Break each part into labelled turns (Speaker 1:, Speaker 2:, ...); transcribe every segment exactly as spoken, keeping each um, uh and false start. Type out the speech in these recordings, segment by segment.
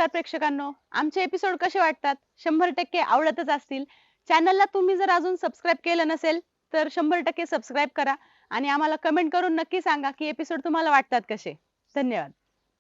Speaker 1: नमस्कार प्रेक्षकांनो, आमचे एपिसोड कसे वाटतात? शंभर टक्के आवडतच असतील. चॅनलला तुम्ही जर अजून सबस्क्राईब केलं नसेल, तर शंभर टक्के सबस्क्राईब करा आणि आम्हाला कमेंट करून नक्की सांगा की एपिसोड तुम्हाला वाटतात कसे. धन्यवाद.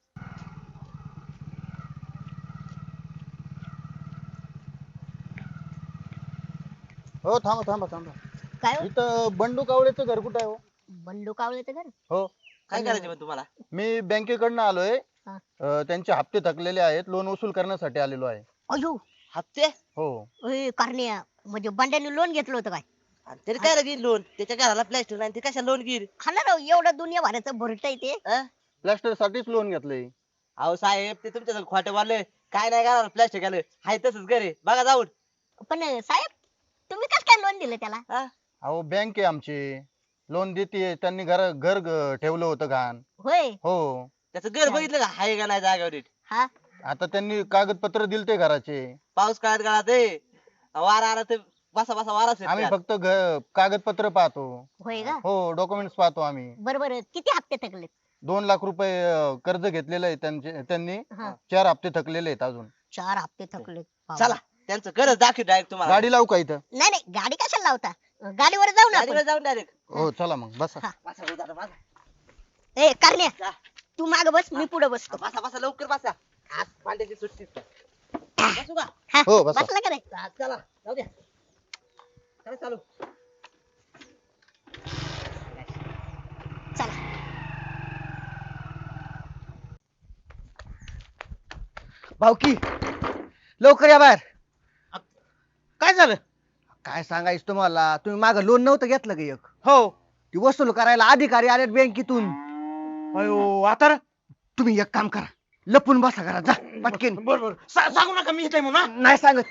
Speaker 2: हो थांबा थांबा थांबा.
Speaker 3: काय हो?
Speaker 2: इथं बंडू कावळेचं घर कुठं आहे हो?
Speaker 3: बंडू कावळेचं घर
Speaker 2: हो
Speaker 4: काय करायचं मग तुम्हाला?
Speaker 2: मी बँकेकडनं आलोय.
Speaker 3: हा.
Speaker 2: अं, त्यांचे हप्ते थकलेले आहेत, लोन वसूल करण्यासाठी आलेलो आहे.
Speaker 3: अयो
Speaker 4: हप्ते?
Speaker 2: हो
Speaker 3: ए कारण्या म्हणजे बंड्याने लोन घेतलं होतं काय?
Speaker 4: आणि तरी काय लागेल लोन? त्याच्या घराला प्लॅस्टर नाही ते कशा लोन घेईल?
Speaker 3: हा ना राव, एवढं दुनिया भराचं भरट आहे ते.
Speaker 4: अं?
Speaker 2: प्लास्टर साठीच लोन घेतलंय.
Speaker 4: अहो साहेब ते तुमच्या खोटे बोलले. काय नाही घराला प्लॅस्टर केलं. हाय तसंच घर आहे. बघा जाऊन.
Speaker 3: पण साहेब तुम्ही कसं काय लोन दिलं त्याला?
Speaker 4: हा?
Speaker 2: अहो बँक आहे आमची, लोन देते. त्यांनी घर घर ग- ठेवलं होतं घाण.
Speaker 3: होय.
Speaker 2: हो
Speaker 4: त्याचं घर बघितलं का? हाय का नाही जागेवर नीट?
Speaker 3: हा
Speaker 2: आता त्यांनी कागदपत्र दिलते घराचे.
Speaker 4: पाऊस काळात गाळात आहे. वारा आला तर बसा बसा वारा
Speaker 2: आम्ही फक्त घ- कागदपत्र पाहतो.
Speaker 3: होय का?
Speaker 2: हो डॉक्युमेंट्स पाहतो आम्ही.
Speaker 3: बरं बरं, किती हप्ते थकले?
Speaker 2: दोन लाख रुपये अं, कर्ज घेतलेलं आहे त्यांचे त्यांनी.
Speaker 3: हा
Speaker 2: चार हप्ते थकलेले आहेत अजून.
Speaker 3: चार हप्ते थकले.
Speaker 4: चला त्यांचं घरच दाखव डायरेक्ट तुम्हाला.
Speaker 2: गाडी लावू का इथं?
Speaker 3: नाही नाही, गाडी कशाला लावता? गाडीवर जाऊ ना
Speaker 4: गाडीवर
Speaker 3: आपण.
Speaker 4: जाऊन डायरेक्ट.
Speaker 2: हो चला मग बसा.
Speaker 3: हा.
Speaker 4: बसा हो दादा, बसा.
Speaker 3: ए कारण्या
Speaker 4: जा.
Speaker 3: तू माग बस, मी पुढे बसतो.
Speaker 4: बसा बसा लवकर बसा. आज पांड्याची सुट्टी. बसू का?
Speaker 3: हा,
Speaker 2: हो, बसा.
Speaker 3: बसला का नाही?
Speaker 4: हा, चला जाऊ द्या. चला चालू.
Speaker 3: चला.
Speaker 5: भाऊकी लवकर या बाहेर.
Speaker 6: काय झालं?
Speaker 5: काय सांगायचं तुम्हाला, तुम्ही माग लोन नव्हतं घेतलं का एक,
Speaker 6: हो.
Speaker 5: ती वसूल करायला अधिकारी आलेत बँकेतून.
Speaker 6: अयो आता रे?
Speaker 5: तुम्ही एक काम करा, लपून बसा घरात, जा पटकेन.
Speaker 6: बर बर सा- सांगू नका मी इथे म्हणून हा?
Speaker 5: नाही सांगत.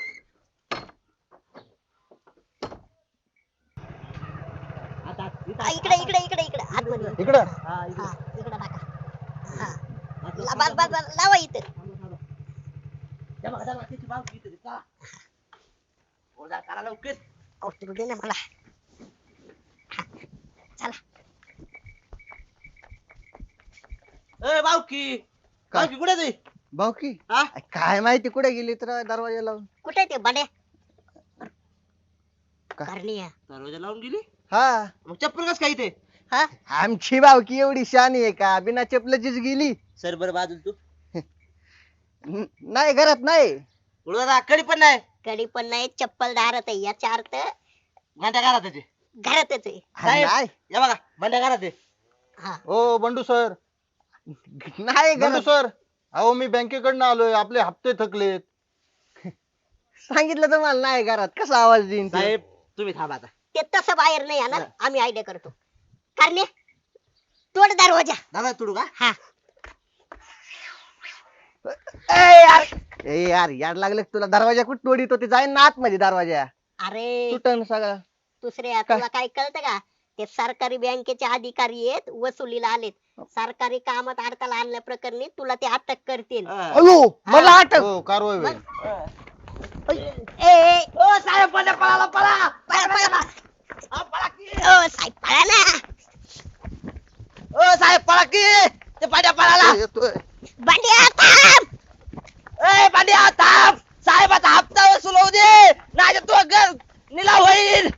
Speaker 4: आता
Speaker 3: हा, इकडे इकडे इकडे इकडे आतमध्ये.
Speaker 2: इकडं
Speaker 4: हा, इकडे.
Speaker 3: हा इकडे टाका. हा ला- बस बस बस, लावा इथं.
Speaker 4: त्या बघा, त्या बघा, त्याची बाजू इथे. चला. हो, जा, करा लवकर.
Speaker 3: अहो, तू दे ना मला. हा, चला.
Speaker 4: ए बावकी बावकी कुठे आहे तू?
Speaker 5: भाऊकी
Speaker 4: हा?
Speaker 5: काय माहिती कुठे गेली तर दरवाजा लावून.
Speaker 3: कुठे ते बड्या?
Speaker 5: का?
Speaker 3: करण्या.
Speaker 4: दरवाजा लावून गेली.
Speaker 5: हा,
Speaker 4: मग चप्पल कस काय इथे?
Speaker 3: हा
Speaker 5: आमची भावकी एवढी शानी आहे का, बिना चपलाचीच गेली.
Speaker 4: सर बरं बाजूल तू.
Speaker 5: न- नाही घरात नाही.
Speaker 4: पुढे कडी पण नाही.
Speaker 3: कडी पण नाही, चप्पल दारात आहे, याचा अर्थ
Speaker 4: माझ्या घरात आहे ते.
Speaker 3: घरातच आहे.
Speaker 5: हा,
Speaker 4: साहेब.
Speaker 5: नाही
Speaker 4: या बघा माझ्या घरात आहे.
Speaker 3: हा
Speaker 2: ओ बंडू सर.
Speaker 5: नाही
Speaker 2: बंडू
Speaker 5: घरात.
Speaker 2: सर, अहो मी बँकेकडनं आलोय, आपले हप्ते थकलेत.
Speaker 5: सांगितलं तुम्हाला नाही घरात, कसा आवाज देईन ते?
Speaker 4: साहेब तुम्ही थांबा आता.
Speaker 3: ते तसं बाहेर नाही येणार, आम्ही आयडिया करतो. करण्या तोड दरवाजा.
Speaker 4: दादा तुडू का?
Speaker 3: हा
Speaker 5: ए यार, ए यार यार लागलं का तुला? दरवाजा कुठं तोडीतो, ते जाईन ना आतमध्ये दरवाजा,
Speaker 3: अरे
Speaker 5: तुटन सगळं.
Speaker 3: दुसरे तुला काय कळतं का? ते सरकारी बँकेचे अधिकारी आहेत, वसुलीला आलेत. सरकारी कामात अडथळा आणल्या प्रकरणी तुला ते अटक करतील.
Speaker 4: हा.
Speaker 5: अयो मला अटक.
Speaker 2: हो कारवाई होईल.
Speaker 3: ए, ए,
Speaker 4: ओ साहेब पळा पळा पळा.
Speaker 3: पळा, पळा, पळा.
Speaker 4: हा, पळा की.
Speaker 3: ओ, साहेब पळा ना.
Speaker 4: ओ साहेब पळा की. ते पाड्या पळाला.
Speaker 5: येतोय.
Speaker 3: बंड्या थांब.
Speaker 4: ए पाड्या थांब. साहेबाचा हप्ता वसूल होऊ दे. नाही तर तू घर निलाव होईल.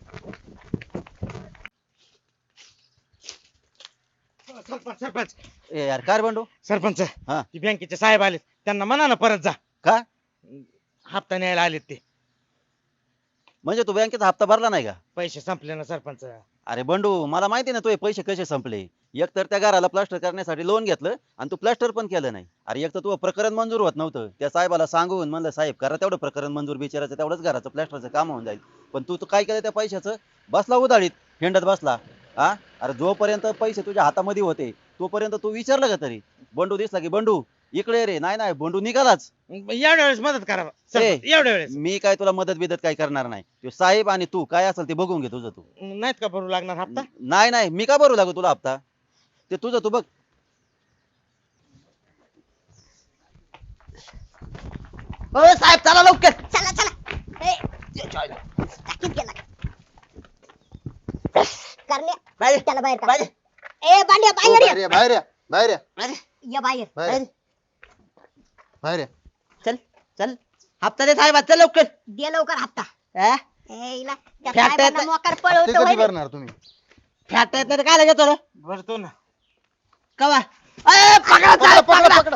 Speaker 6: सरपंच सरपंच
Speaker 7: ए यार काय रे बंडू?
Speaker 6: सरपंच
Speaker 7: हा.
Speaker 6: ती बँकेचे साहेब आलेत, त्यांना म्हणा ना परत जा.
Speaker 7: का?
Speaker 6: हप्ता न्यायला आलेत ते.
Speaker 7: म्हणजे तू बँकेचा हप्ता भरला नाही का?
Speaker 6: पैसे संपले ना सरपंच.
Speaker 7: अरे बंडू मला माहिती ना तुझे पैसे कसे संपले. एक तर त्या घराला प्लास्टर करण्यासाठी लोन घेतलं आणि तू प्लास्टर पण केलं नाही. अरे एक तर तुझं प्रकरण मंजूर होत नव्हतं. त्या साहेबाला सांगून म्हणलं साहेब करा तेवढं प्रकरण मंजूर, बिचाराचं तेवढंच घराचं प्लास्टरचं काम होऊन जाईल. पण तू तू काय केलं त्या पैशाचं? बसला उधाळीत, हिंडत बसला. हा अरे जोपर्यंत पैसे तुझ्या हातामध्ये होते तोपर्यंत तू विचारलं का तरी? बंडू दिसला की बंडू इकडे रे, नाही नाही बंडू निघालाच.
Speaker 6: एवढ्या वेळेस मदत करा सरपंच,
Speaker 7: ए.
Speaker 6: एवढ्या वेळेस.
Speaker 7: मी काय तुला मदत बिदत काय करणार नाही. तो साहेब आणि तू काय असेल ते बघून घे तुझं तू.
Speaker 6: नाहीत का भरू लागणार हप्ता?
Speaker 7: नाही नाही मी का भरू लागू तुला हप्ता? ते तुझं तू बघ.
Speaker 4: ओ साहेब चला लवकर.
Speaker 3: चला चला. ए, टाकीत गेला. करण्या
Speaker 4: बाहेर.
Speaker 3: त्याला बाहेर काढ.
Speaker 4: बाहेर.
Speaker 3: ए बांड्या
Speaker 2: हो,
Speaker 3: बाहेर
Speaker 2: बाहेर
Speaker 3: ये.
Speaker 2: या, बाहेर या, बाहेर या,
Speaker 4: बाहेर.
Speaker 3: या बाहेर.
Speaker 2: बाहेर या. बाहेर या.
Speaker 4: चल चल हप्ता दे साहेबा चल लवकर
Speaker 3: दे लवकर हप्ता
Speaker 4: हा?
Speaker 3: ए, हिला त्या
Speaker 4: फॅट
Speaker 3: साहेबांना
Speaker 4: आहे.
Speaker 3: मोकार
Speaker 2: ते
Speaker 3: पळवतो
Speaker 2: कधी
Speaker 3: वय रे.
Speaker 2: भरणार तुम्ही
Speaker 4: फॅट येत नाही काय घेतो रे
Speaker 6: भरतो ना.
Speaker 4: कवा ए, पकडा साहेब, पकडा.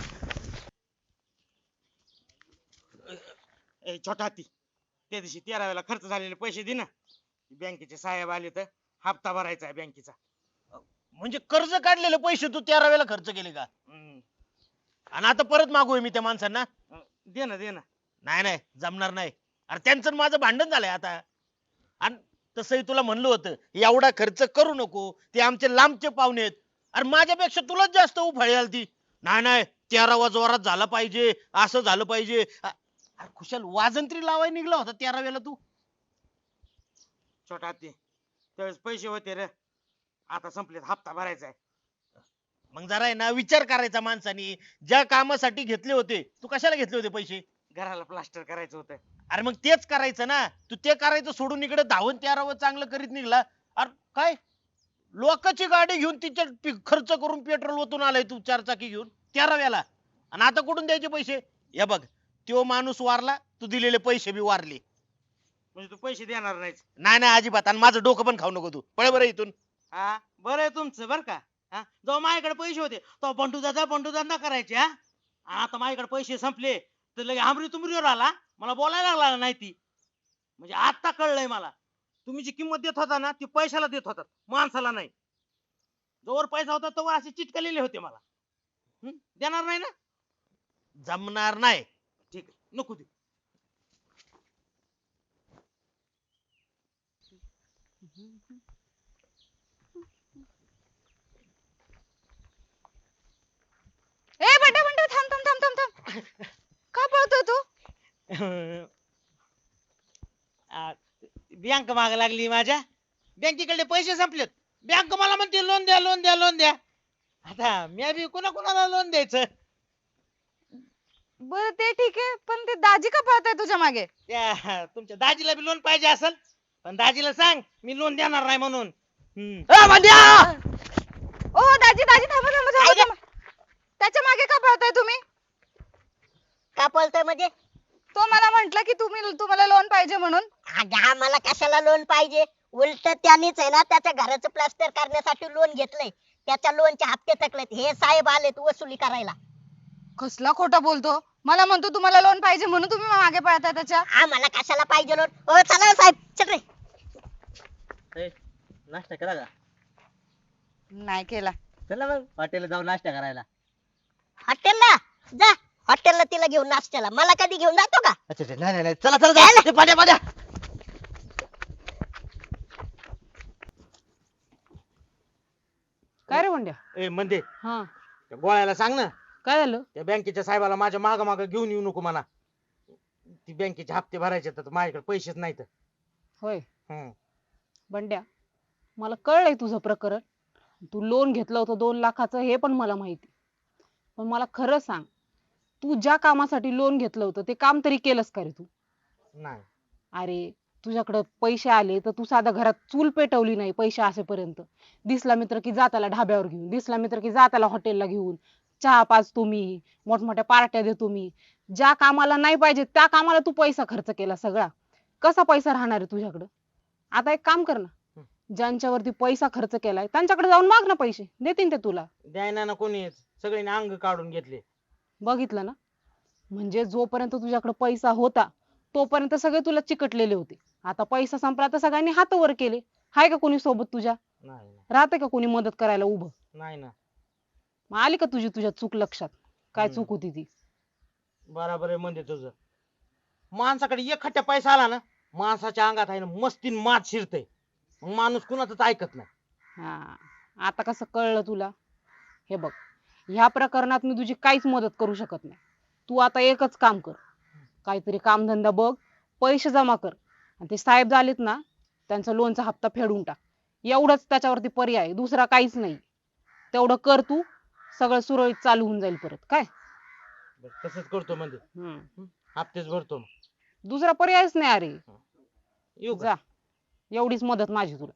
Speaker 6: ए छोटा हत्ती, त्या दिवशी तेरा वेळेला खर्च झालेले पैसे दे ना. बँकेचे साहेब आले तर हप्ता भरायचा आहे बँकेचा.
Speaker 8: म्हणजे कर्ज काढलेले पैसे तू तेरा वेळेला खर्च केले का
Speaker 6: हम्म.
Speaker 8: आणि आता परत मागू मी त्या माणसांना
Speaker 6: अं, दे ना दे ना.
Speaker 8: नाही नाही जमणार नाही अरे त्यांचं आणि माझं भांडण झालंय आता आणि तसंही तुला म्हणलं होतं एवढा खर्च करू नको ते आमचे लांबचे पाहुणे आहेत अरे माझ्यापेक्षा तुलाच जास्त उफाळी आली ती नाही नाही तेरावा जोरात झाला पाहिजे असं झालं पाहिजे अ- अरे खुशाल वाजंत्री लावाय निघला होता तेरा वेळेला तू
Speaker 6: छोटा हत्ती, त्यावेळेस पैसे होते रे, आता संपलेत, हप्ता भरायचा आहे.
Speaker 8: मग जरा आहे ना विचार करायचा माणसानी ज्या कामासाठी घेतले होते तू कशाला घेतले होते पैसे
Speaker 6: घराला प्लास्टर करायचं होतं.
Speaker 8: अरे मग तेच करायचं ना तू ते करायचं सोडून इकडे धावून तेरावं चांगलं करीत निघला अरे काय लोकांची गाडी घेऊन तिच्या पि- खर्च करून पेट्रोल ओतून आलाय तू चार चाकी घेऊन तेराव्याला आणि आता कुठून द्यायचे पैसे या बघ तो माणूस वारला तू दिलेले पैसे बी वारले
Speaker 6: म्हणजे तू पैसे देणार नाहीस.
Speaker 8: नाही नाही अजिबात आणि माझं डोकं पण खाऊ नको तू पळ बरं इथून
Speaker 6: हा बरं आहे तुमचं बरं का. हा जेव्हा माझ्याकडे पैसे होते तेव्हा बंडू दादा बंडू दादा करायचे. हा आणि आता माझ्याकडे पैसे संपले तर लगे आमरी तुमरीवर आला, मला बोलायला लागला नाही ती. म्हणजे आता कळलंय मला तुम्ही जी किंमत देत होता ना ती पैशाला देत होता, माणसाला नाही. जोवर पैसा होता तोवर असे चिटकलेले होते मला. हम्म? देणार नाही ना.
Speaker 8: जमणार नाही
Speaker 6: ठीक आहे नको दे.
Speaker 1: ए बंड्या बंड्या थांब थांब थांब थांब थांब का पळतोय तू?
Speaker 6: बँक माग लागली माझ्या, बँकेकडे पैसे संपलेत. बँक मला म्हणते लोन द्या लोन द्या लोन द्या. आता मी बी कोणा कोणाला लोन द्यायचं.
Speaker 1: बरं ते ठीक आहे पण ते दाजी का पळताय तुझ्या मागे?
Speaker 6: त्या तुमच्या दाजीला बी लोन पाहिजे असेल, पण दाजीला सांग मी लोन देणार नाही म्हणून. हम्म.
Speaker 4: ए, भांड्या!
Speaker 1: ओ दाजी दाजी थांबा थांबा थांबा थांबा. त्याच्या मागे का पळताय तुम्ही?
Speaker 3: का पळतोय म्हणजे?
Speaker 1: तो मला म्हंटल की तुम्ही तुम्हाला लोन पाहिजे म्हणून.
Speaker 3: अगं आम्हाला कशाला लोन पाहिजे? उलट त्यांनीच आहे ना त्याच्या घराचं प्लास्टर करण्यासाठी लोन घेतलंय. त्याच्या लोनचे हप्ते थकलेत. हे साहेब आलेत वसुली करायला.
Speaker 1: कसला खोटा बोलतो. मला म्हणतो तुम्हाला लोन पाहिजे म्हणून तुम्ही मागे पळताय त्याच्या.
Speaker 3: आम्हाला कशाला पाहिजे लोन? ओ चला साहेब चल रे.
Speaker 4: नाश्ता करा का
Speaker 1: नाही केला.
Speaker 4: चला मग हॉटेलला जाऊन नाश्ता करायला.
Speaker 3: हॉटेलला जा. हॉटेलला तिला घेऊन नाश्त्याला. मला कधी घेऊन जातो का?
Speaker 4: अच्छा अच्छा नाही नाही नाही. चला चला चला. ए, भांड्या भांड्या
Speaker 1: काय रे बंड्या?
Speaker 6: ए म्हणते
Speaker 1: हा
Speaker 6: त्या गोळ्याला सांग ना
Speaker 1: काय झालं?
Speaker 6: त्या बँकेच्या साहेबाला माझ्या माग माग घेऊन येऊ नको म्हणा. ती बँकेचे हप्ते भरायचे तर माझ्याकडे पैसेच नाहीत.
Speaker 1: होय
Speaker 6: हम्म.
Speaker 1: बंड्या मला कळलंय तुझं प्रकरण. तू लोन घेतलं होतं दोन लाखाचं हे पण मला माहिती. पण मला खरं सांग तू ज्या कामासाठी लोन घेतलं होतं ते काम तरी केलंस का रे तू?
Speaker 6: नाही.
Speaker 1: अरे तुझ्याकडे पैसे आले तर तू साधा घरात चूल पेटवली नाही पैसे असेपर्यंत. दिसला मित्र की जा त्याला ढाब्यावर घेऊन, दिसला मित्र की जा त्याला हॉटेलला घेऊन, चहा पाजतो मी, मोठमोठ्या पार्ट्या देतो मी. ज्या कामाला नाही पाहिजे त्या कामाला तू पैसा खर्च केला सगळा. कसा पैसा राहणार आहे तुझ्याकडं? आता एक काम कर ना, ज्यांच्यावरती पैसा खर्च केलाय त्यांच्याकडे जाऊन माग ना पैसे, देतील ते तुला.
Speaker 6: द्यायना ना कोणीच, सगळ्यांनी अंग काढून घेतले.
Speaker 1: बघितलं ना, म्हणजे जोपर्यंत तुझ्याकडे पैसा होता तोपर्यंत सगळे तुला चिकटलेले होते. आता पैसा संपला तर सगळ्यांनी हात वर केले. हाय का कोणी सोबत तुझ्या?
Speaker 6: नाही नाही.
Speaker 1: राहते का कोणी मदत करायला उभं?
Speaker 6: नाही ना.
Speaker 1: मग आली का तुझी तुझ्या चूक लक्षात? काय
Speaker 6: हम्म.
Speaker 1: चूक होती ती?
Speaker 6: बराबर आहे म्हणजे तुझं. माणसाकडे एक खट्ट्या पैसा आला ना माणसाच्या अंगात आहे ना मस्तीन मात शिरते. मग माणूस कुणाचंच ऐकत नाही.
Speaker 1: हा आता कसं कळलं तुला? हे बघ, ह्या प्रकरणात मी तुझी काहीच मदत करू शकत नाही. तू आता एकच काम कर, काहीतरी कामधंदा बघ, पैसे जमा कर आणि ते साहेब झालेत ना त्यांचा लोनचा हप्ता फेडून टाक. एवढंच त्याच्यावरती पर्याय आहे, दुसरा काहीच नाही. तेवढं कर तू, सगळं सुरळीत चालू होऊन जाईल परत. काय
Speaker 6: बरं, तसंच करतो म्हणजे
Speaker 1: हम्म
Speaker 6: हप्तेच भरतो मग.
Speaker 1: दुसरा पर्यायच नाही. अरे
Speaker 6: येऊ का?
Speaker 1: जा, एवढीच मदत माझी तुला.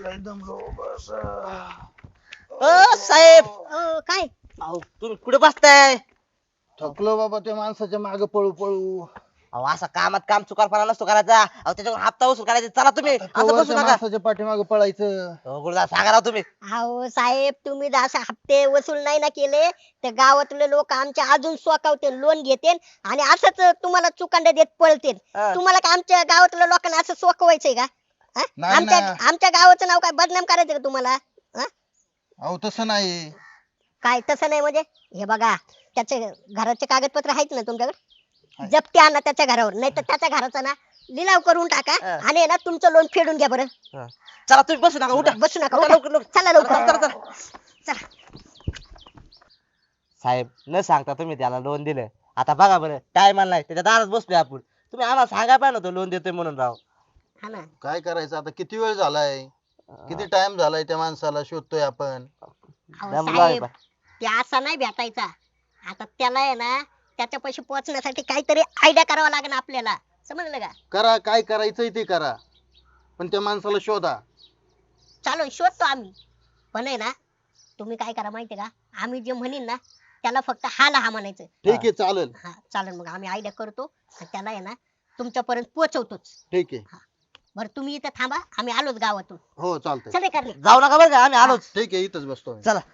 Speaker 4: अ साहेब
Speaker 3: अ, काय
Speaker 4: अहो तुम्ही कुठे बसताय?
Speaker 2: थकलो बाबा त्या माणसाच्या मागे पळू पळू.
Speaker 4: अहो असा कामात काम चुकारपणा नसतो करायचा. अहो त्याच्यावर हप्ता वसूल करायचा. चला तुम्ही असं
Speaker 2: कवर
Speaker 4: बसू
Speaker 2: त्या
Speaker 4: नका.
Speaker 2: माणसाच्या पाठीमागे पळायचं.
Speaker 4: अहो, गुरुदास सांगा राव तुम्ही.
Speaker 3: अहो साहेब तुम्ही जर असे हप्ते वसूल नाही ना केले तर गावातले लोक आमच्या अजून सोकावते लोन घेते आणि असंच तुम्हाला चुकांड्या देत पळते.
Speaker 4: हा.
Speaker 3: तुम्हाला का आमच्या गावातल्या लोकांना असं सोकवायचंय का हा?
Speaker 2: नाही
Speaker 3: आमच्या
Speaker 2: ना.
Speaker 3: आमच्या गावाचं नाव काय बदनाम करायचं का तुम्हाला हा?
Speaker 2: अहो तसं नाही.
Speaker 3: काय तसं नाही म्हणजे हे बघा त्याचे घराचे कागदपत्र आहेत ना तुमच्याकडे जप्ती आणा त्याच्या घरावर नाही तर त्याच्या घराचा ना लिलाव करून टाका
Speaker 4: हा.
Speaker 3: आणि आहे ना तुमचं लोन फेडून घ्या बरं
Speaker 4: चला तुम्ही बसू नका. उठा.
Speaker 3: बसू नका
Speaker 4: उठा,
Speaker 3: उठा.
Speaker 4: लवकर, लवकर.
Speaker 3: चला लवकर
Speaker 4: चला, चला,
Speaker 3: चला
Speaker 4: साहेब न सांगता तुम्ही त्याला लोन दिलं. आता बघा बरं टाइम आणलाय त्याच्या दारात बसलोय आपण. तुम्ही आम्हाला सांगा पाहिजे नव्हतं लोन देतोय म्हणून राव.
Speaker 3: हा ना
Speaker 2: काय करायचं आता, किती वेळ झालाय, किती टाइम झालाय त्या माणसाला शोधतोय आपण.
Speaker 3: अहो,
Speaker 4: दम
Speaker 3: साहेब
Speaker 4: लावा.
Speaker 3: ते असा नाही भेटायचा. आता त्याला आहे ना त्याच्या पैसे पोहोचण्यासाठी काहीतरी आयडिया करावा लागेल आपल्याला समजलं का
Speaker 2: करा, काय करायचंय ते करा, पण त्या माणसाला शोधा.
Speaker 3: चालू शोधतो आम्ही पण आहे ना तुम्ही काय करा माहितीये का आम्ही जे म्हणीन ना त्याला फक्त हा हा म्हणायचं.
Speaker 2: ठीक आहे, चालेल.
Speaker 3: हा चालेल मग आम्ही आयडिया करतो आणि त्याला आहे ना तुमच्यापर्यंत पोहोचवतोच.
Speaker 2: ठीक आहे.
Speaker 3: बरं तुम्ही इथं थांबा आम्ही आलोच गावातून.
Speaker 2: हो चालतंय.
Speaker 3: चले करणे
Speaker 4: जाऊ नका बरं का आम्ही आलोच.
Speaker 2: ठीक आहे, इथंच बसतो आम्ही.
Speaker 4: चला.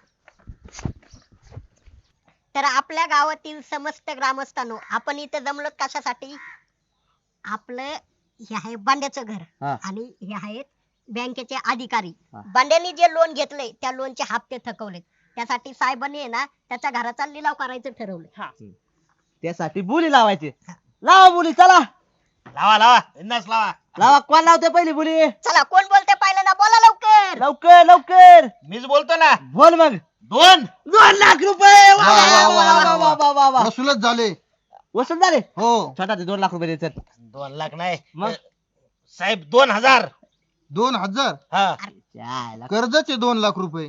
Speaker 3: तर आपल्या गावातील समस्त ग्रामस्थांनो आपण इथे जमलो कशासाठी आपलं हे आहे बांड्याचं घर
Speaker 4: हा.
Speaker 3: आणि हे आहेत बँकेचे अधिकारी.
Speaker 4: हा.
Speaker 3: बांड्यांनी जे लोन घेतलंय त्या लोनचे हप्ते थकवले त्यासाठी साहेबांनी आहे ना त्याच्या घराचा लिलाव करायचं ठरवलं.
Speaker 4: त्यासाठी बोली लावायची. लावा बोली चला.
Speaker 8: लावा लावा बिंदास लावा.
Speaker 4: लावा कोण लावते पहिली बोली.
Speaker 3: चला कोण बोलते पाहिलं ना बोला लवकर.
Speaker 4: लवकर लवकर
Speaker 8: मीच बोलतो ना.
Speaker 4: बोल मग.
Speaker 8: दोन
Speaker 4: दोन लाख रुपये वा,
Speaker 2: वा, वा,
Speaker 4: वा,
Speaker 2: वा,
Speaker 4: वा, वा, वा, वा, वा.
Speaker 2: वसूलच झाले.
Speaker 4: वसूल झाले.
Speaker 2: हो.
Speaker 4: छोटा ते दोन लाख रुपये द्यायचं.
Speaker 8: दोन लाख नाही
Speaker 4: मग?
Speaker 8: अ, साहेब दोन हजार.
Speaker 2: दोन हजार
Speaker 8: हा
Speaker 4: जायला.
Speaker 2: कर्जाचे दोन लाख रुपये.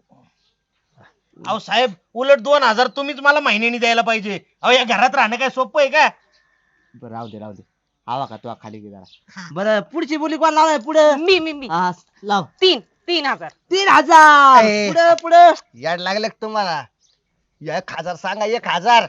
Speaker 8: अहो साहेब उलट दोन हजार तुम्हीच मला महिन्यानी द्यायला पाहिजे. अहो या घरात राहणं काय सोपं आहे का?
Speaker 4: बरं राहू दे राहू दे. आवा का तू खाली गे
Speaker 3: हा.
Speaker 4: जरा. बरं पुढची बोली कोण लावलाय पुढे.
Speaker 1: मी मी मी
Speaker 4: हा, लाव.
Speaker 1: तीन तीन हजार
Speaker 4: तीन हजार
Speaker 5: ए.
Speaker 4: पुढे पुढे.
Speaker 5: याड लागले का तुम्हाला. एक हजार सांगा, एक हजार.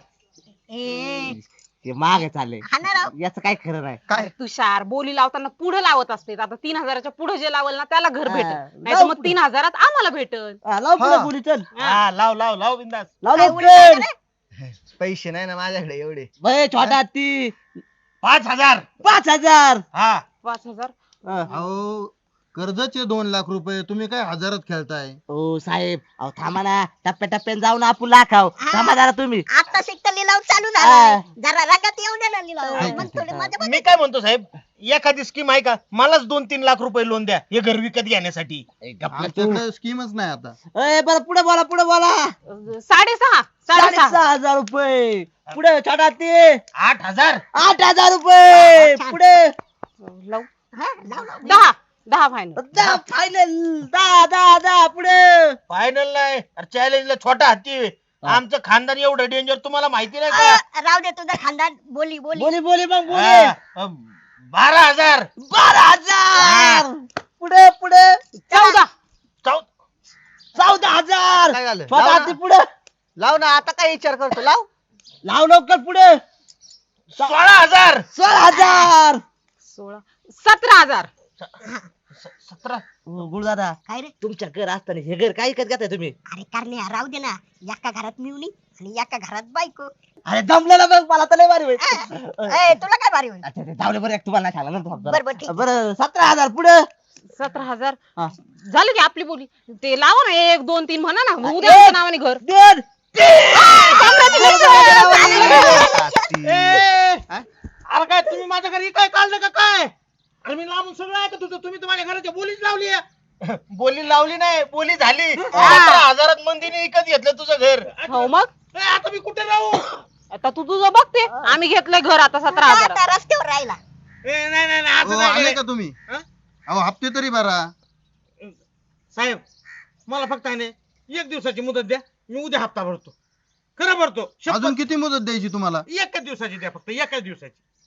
Speaker 3: ए,
Speaker 4: ते मागे चालले.
Speaker 3: हा ना राव.
Speaker 4: याचं काय खरं नाही.
Speaker 5: काय
Speaker 1: तुषार बोली लावताना पुढे लावत असते आता तीन हजाराच्या पुढे जे लावल ना त्याला घर
Speaker 4: हा.
Speaker 1: भेटल नाही
Speaker 4: लाव
Speaker 1: मग
Speaker 4: पुढे.
Speaker 1: तीन हजारात आम्हाला भेटल.
Speaker 4: हा, लाव पुढे
Speaker 2: हा.
Speaker 4: बोली चल.
Speaker 8: हा लाव लाव लाव बिंदास.
Speaker 4: लाव
Speaker 3: काय उडी
Speaker 4: लवकर.
Speaker 3: टाकलं?
Speaker 5: पैसे नाही ना माझ्याकडे एवढे.
Speaker 4: बे छोटा ती
Speaker 8: पाच हजार.
Speaker 4: पाच हजार.
Speaker 8: हा
Speaker 1: पाच हजार
Speaker 4: हा.
Speaker 2: अहो कर्जाचे दोन लाख रुपये तुम्ही काय हजारात खेळताय.
Speaker 4: ओ साहेब अहो थांबा ना टप्प्या टप्प्याने जाऊन आपण लाखाव.
Speaker 3: हा.
Speaker 4: थांबा जरा तुम्ही.
Speaker 3: आता शिकता लिलाव चालू
Speaker 4: हा.
Speaker 3: झाला जरा रंगात येऊ दे ना लिलाव
Speaker 2: हा.
Speaker 3: मग थोडे मजा
Speaker 8: मी काय म्हणतो साहेब एखादी स्कीम आहे का? मलाच दोन तीन लाख रुपये लोन द्या हे घर विकत घेण्यासाठी.
Speaker 2: आमच्याकडे स्कीमच नाही आता.
Speaker 4: ए बरं पुढे बोला पुढे बोला.
Speaker 1: साडेसहा साडेसहा
Speaker 4: साडेसहा हजार रुपये. पुढे छोटा ते
Speaker 8: आठ हजार.
Speaker 4: आठ हजार रुपये.
Speaker 3: छान.
Speaker 4: पुढे
Speaker 1: लाव.
Speaker 3: हा, लाव, लाव.
Speaker 1: दहा दहा फायनल
Speaker 4: दहा फायनल. दहा दहा दहा पुढे.
Speaker 8: फायनल नाही चॅलेंजला छोटा हत्ती आहे.
Speaker 4: हा.
Speaker 8: आमचं खानदान एवढं डेंजर तुम्हाला माहिती नाही
Speaker 3: आ,
Speaker 8: का?
Speaker 3: राहू दे तुझं खानदान बोली बोली
Speaker 4: बोली बोली मग बोली.
Speaker 8: हा, अ, बारा हजार.
Speaker 4: बारा हजार. पुढे पुढे.
Speaker 1: चौदा
Speaker 8: चौ-
Speaker 4: चौदा हजार.
Speaker 5: काय झालं?
Speaker 4: छोटा
Speaker 5: लाव
Speaker 4: हाती
Speaker 5: ना.
Speaker 4: पुढे.
Speaker 5: लाव ना, आता काय विचार करतो, लाव.
Speaker 4: लाव लवकर पुढे.
Speaker 8: सोळा हजार.
Speaker 4: सोळा हजार.
Speaker 1: सोळा सतरा हजार
Speaker 8: स- सतरा.
Speaker 4: गुरुदादा
Speaker 3: काय रे
Speaker 4: तुमच्या घर असताना हे घर काय विकत घेताय तुम्ही.
Speaker 3: अरे करणे राहू दे ना एका घरात मिळून आणि एका घरात बायको.
Speaker 4: अरे जमलेलं बघ मला तर लय भारी होईल.
Speaker 3: ए, तुला काय भारी होईल
Speaker 4: अच्छा ते जाऊ दे बरं एक तुम्हाला नाही सांगला ना
Speaker 3: बरं, बरं, ठीक.
Speaker 4: बरं सतरा हजार पुढे.
Speaker 1: सतरा हजार
Speaker 4: हा.
Speaker 1: झालं की आपली बोली ते लावा ना एक दोन तीन म्हणा ना मग उद्या
Speaker 4: एक.
Speaker 1: आमच्या नावाने घर.
Speaker 4: दोन
Speaker 8: ए, अरे काय तुम्ही माझ्या घरी काय काढलं का काय? अरे मी लांबून सगळं ऐकत होतो तुम्ही तुम्हाला घराच्या बोलीच लावली आहे. बोली लावली नाही बोली झाली. सतरा हजारात मंदीने विकत घेतलं तुझं घर.
Speaker 1: हो मग
Speaker 8: ए, आता मी कुठे राहू?
Speaker 1: आता तू तुझं बघते आम्ही घेतलंय घर आता सतरा
Speaker 3: तुझा
Speaker 1: हजार
Speaker 3: आता रस्त्यावर राहिला.
Speaker 8: ए, नाही नाही नाही, असं
Speaker 2: अहो,
Speaker 8: नाही
Speaker 2: आले
Speaker 8: करायचं.
Speaker 2: का तुम्ही?
Speaker 8: हा?
Speaker 2: अहो हप्ते तरी भरा.
Speaker 8: साहेब मला फक्त आहे ना एक दिवसाची मुदत द्या मी उद्या हप्ता भरतो. खरं भरतो. शपथ.
Speaker 2: अजून किती मुदत द्यायची तुम्हाला?
Speaker 8: एकच दिवसाची द्या फक्त एकाच दिवसाची.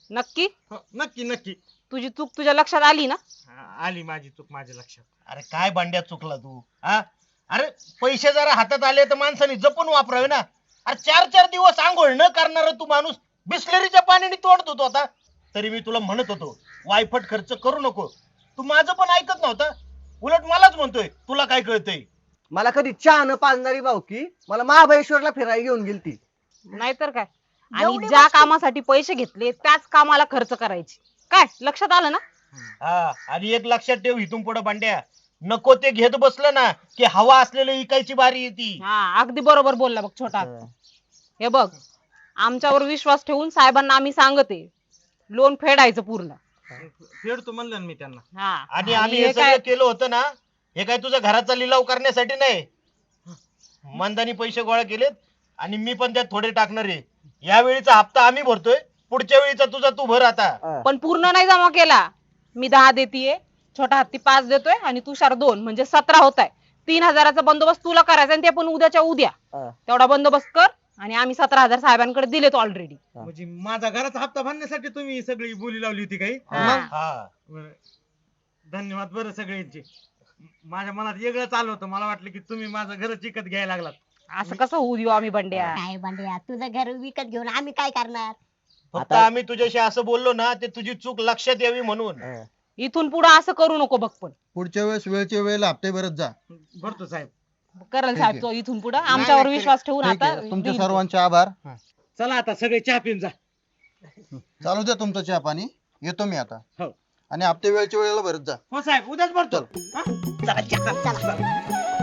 Speaker 9: नक्की
Speaker 8: हो, नक्की नक्की
Speaker 9: तुझी चूक तुझ्या लक्षात आली ना?
Speaker 8: हा, आली माझी चूक माझ्या लक्षात. अरे काय भांड्या चुकला तू हा? अरे पैसे जरा हातात आले तर माणसाने जपून वापरावे ना. अरे चार चार दिवस आंघोळ न करणार तू माणूस बिस्लरीच्या पाण्याने तोडत होतो आता. तरी मी तुला म्हणत होतो वायफट खर्च करू नको. तू माझं पण ऐकत नव्हता, उलट मलाच म्हणतोय तुला काय कळतंय.
Speaker 5: मला कधी चहा न पाजणारी भाऊकी मला महाबळेश्वरला फिरायला घेऊन गेलती.
Speaker 9: नाहीतर काय. आणि
Speaker 3: जेवढी
Speaker 9: ज्या
Speaker 3: वस्तू-
Speaker 9: कामासाठी पैसे घेतले त्याच कामाला खर्च करायचे. काय लक्षात आलं ना?
Speaker 8: हा आणि एक लक्षात ठेव इथून पुढे भांड्या, नको ते घेत बसलं ना की हवा असलेलं इकायची बारी येते.
Speaker 9: हा अगदी बरोबर बोलला बघ छोटा हत्ती. हे बघ आमच्यावर विश्वास ठेवून साहेबांना आम्ही सांगते लोन फेडायचं पूर्ण.
Speaker 8: फेडतो म्हणलं ना मी त्यांना.
Speaker 9: हा
Speaker 8: आणि आम्ही हे सगळं केलं होतं ना, हे काय तुझ्या घराचा लिलाव करण्यासाठी नाही. मंदानी पैसे गोळा केलेत आणि मी पण त्यात थोडे टाकणार आहे. या वेळीचा हप्ता आम्ही भरतोय, पुढच्या वेळीचा तुझा तू भर आता.
Speaker 9: पण पूर्ण नाही जमा केला. मी दहा देतीये, छोटा हत्ती पाच देतोय आणि तुषार दोन, म्हणजे सतरा होत आहे. तीन हजाराचा बंदोबस्त तुला करायचा आणि ते पण उद्याच्या उद्या.
Speaker 5: हा.
Speaker 9: तेवढा बंदोबस्त कर आणि आम्ही सतरा हजार साहेबांकडे दिलेत ऑलरेडी.
Speaker 8: म्हणजे माझा घराचा हप्ता भरण्यासाठी तुम्ही सगळी बोली लावली होती काही.
Speaker 9: हा.
Speaker 8: हा बरं. धन्यवाद बरं सगळ्यांचे. माझ्या मनात वेगळं चालू होतं, मला वाटलं की तुम्ही माझं घर विकत घ्यायला लागलात.
Speaker 9: असं कसं होऊ देऊ आम्ही बंड्या?
Speaker 3: काय भांड्या तुझं घर विकत घेऊन आम्ही काय करणार?
Speaker 8: फक्त
Speaker 5: आता-
Speaker 8: आम्ही तुझ्याशी असं बोललो ना ते तुझी चूक लक्षात यावी म्हणून.
Speaker 9: इथून पुढे असं करू नको बघ. पण
Speaker 2: पुढच्या वेळेस वेळच्या वेळेला हप्ते भरत जा.
Speaker 8: भरतो साहेब.
Speaker 9: करल
Speaker 2: ठीक
Speaker 9: साहेब
Speaker 2: आहे.
Speaker 9: तो इथून पुढे आमच्यावर
Speaker 8: नाही,
Speaker 9: विश्वास ठेवून
Speaker 2: ठीक
Speaker 9: आता
Speaker 2: आहे, तुमचे
Speaker 9: देईल तो.
Speaker 2: सर्वांचे आभार.
Speaker 8: चला आता सगळे चहा पिऊन जा.
Speaker 2: चालू द्या तुमचं चहा पाणी, येतो मी आता.
Speaker 8: हो.
Speaker 2: आणि हप्ते वेळच्या वेळेला भरत जा.
Speaker 8: हो साहेब उद्याच भरतो. हा?
Speaker 3: चला